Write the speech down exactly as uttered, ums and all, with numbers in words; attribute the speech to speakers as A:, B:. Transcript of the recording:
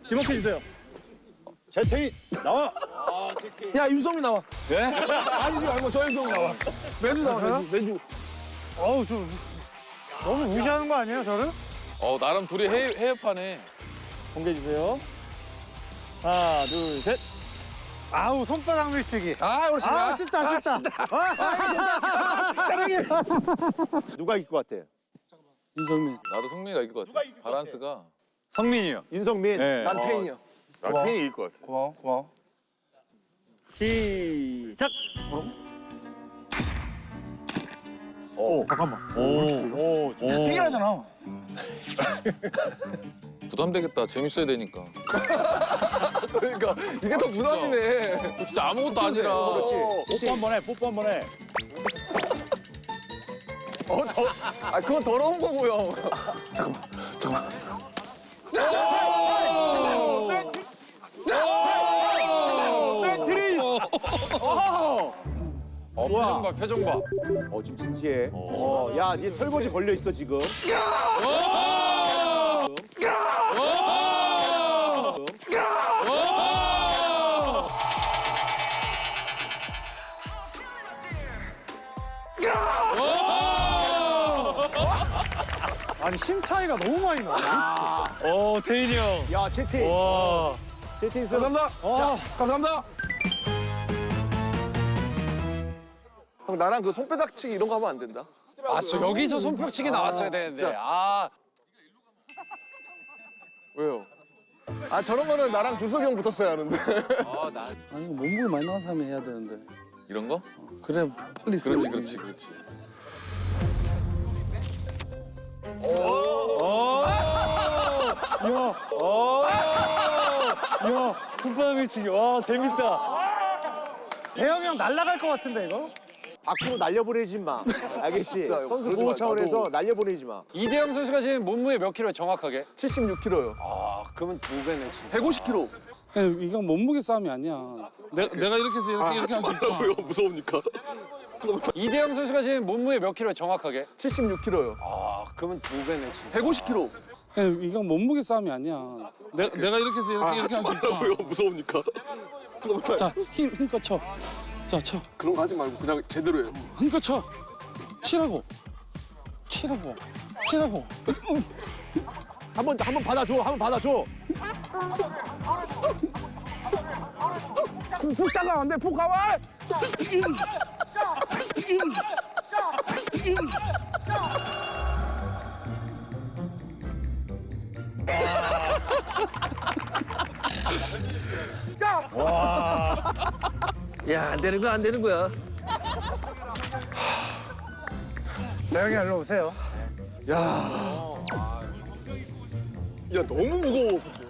A: 지목해주세요. 재태희 나와.
B: 야 윤성민 나와.
A: 예?
B: 아니지 말고 저 윤성민 나와. 매주 나와 매주. 매주.
C: 어우 저 너무 무시하는 거 아니에요 저를?
D: 어 나름 둘이 해, 해협하네.
A: 공개해주세요. 하나, 둘, 셋.
C: 아우 손바닥 밀치기.
B: 아 그렇지.
C: 아 쉽다 쉽다.
B: 사랑해.
A: 누가 이길 것 같아?
B: 윤성민.
D: 나도 성민이가 이길 것 같아. 바란스가.
A: 성민이요. 윤성민.
D: 네.
A: 난
B: 팬이요.
A: 난 태희 이길 것 같아.
B: 고마워 고마워.
A: 시작.
C: 오 잠깐만.
A: 오, 오,
B: 이겨라잖아.
D: 부담되겠다. 재밌어야 되니까.
B: 그러니까 이게 더 부담이네.
D: 그거 진짜 아무것도 아니라.
A: 그렇지. 뽀뽀 한번 해. 뽀뽀 한번 해.
B: 아 그건 더러운 거고요.
D: 어, 표정 봐, 표정 봐.
A: 어, 좀 진지해. 어, 야, 네 설거지 걸려 있어 지금.
C: 아니 힘 차이가 너무 많이 나.
A: 어, 태인이 형. 야, 채팅. 와. 채팅 선.
B: 감사합니다.
C: 어.
B: 감사합니다.
E: 형 나랑 그 손바닥치기 이런 거 하면 안 된다.
B: 아, 저 여기서 손뼉치기 나왔어야 되는데. 아,
E: 왜요? 아 저런 거는 나랑 준석이 형 붙었어야 하는데.
F: 아니 몸무게 많이 나간 사람이 해야 되는데
D: 이런 거?
F: 그래 빨리 쓰.
D: 그렇지, 그렇지, 그렇지.
A: 야, 손바닥 밀치기. 와, 재밌다.
C: 대형이 형 날아갈 것 같은데 이거?
A: 밖으로 날려보내지 마. 알겠지?
E: 진짜요.
A: 선수
E: 그러지
A: 보호
E: 마.
A: 차원에서
E: 나도.
A: 날려보내지 마.
B: 이대영 선수가 지금 몸무게 몇 킬로 정확하게?
E: 칠십육 킬로요.
B: 아, 그러면 두 배네 진짜.
E: 백오십 킬로.
F: 이건 몸무게 싸움이 아니야. 내가 내가 이렇게 해서 이렇게 이렇게 할 수 있잖아.
E: 무서우니까.
B: 이대영 선수가 지금 몸무게 몇 킬로 정확하게?
E: 칠십육 킬로요.
B: 아, 그러면 두 배네 진짜.
E: 백오십 킬로.
F: 이건 몸무게 싸움이 아니야. 내가 내가 이렇게 해서 이렇게 이렇게 할 수 있잖아.
E: 무서우니까.
F: 자, 힘 힘껏 쳐. 자, 쳐.
E: 그런 거 하지 말고 그냥 제대로 해요.
F: 힘껏 쳐. 치라고. 치라고. 치라고.
A: 한 번, 한 번 받아줘. 한 번 받아줘.
B: 푹 작아 안 돼. 푹 가만. 야, 안 되는 거야, 안 되는 거야.
C: 대형이 일로 오세요.
E: 야 너무 무거워. 근데.